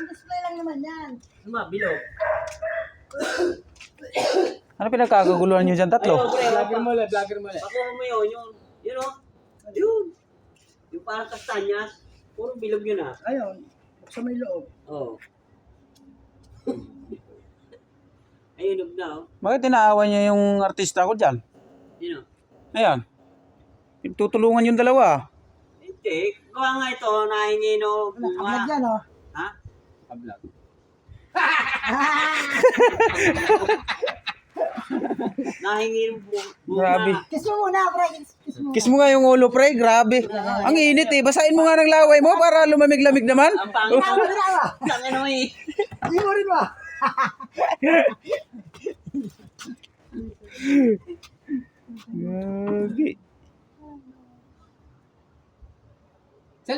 display lang naman yan. Bilog. Ano pinagkakaguluhan nyo dyan, tatlo? Vlogger mo lang. Pakuha mo yun o. Yun. Yung parang kastanyas. Puro bilog yun ah. Ayun, buksan mo yung loob. Oo. Ayun, na oh. Bakit tinaawan niya yung artista ko dyan? Yun o. Ayan. Tutulungan yung dalawa. Hindi. Gawa nga ito, nahingi no. Nakablog yan, oh. Ha? Kablog. Nahingi yung Grabe. Kiss mo muna, pre. Kiss mo. Kiss mo nga yung ulo, pre. Grabe. Ang init eh. Basahin mo nga ng laway mo para lumamig-lamig naman. Ang pangit. Tama na ba? Tangin mo eh. Hindi mo rin ba? Gagi.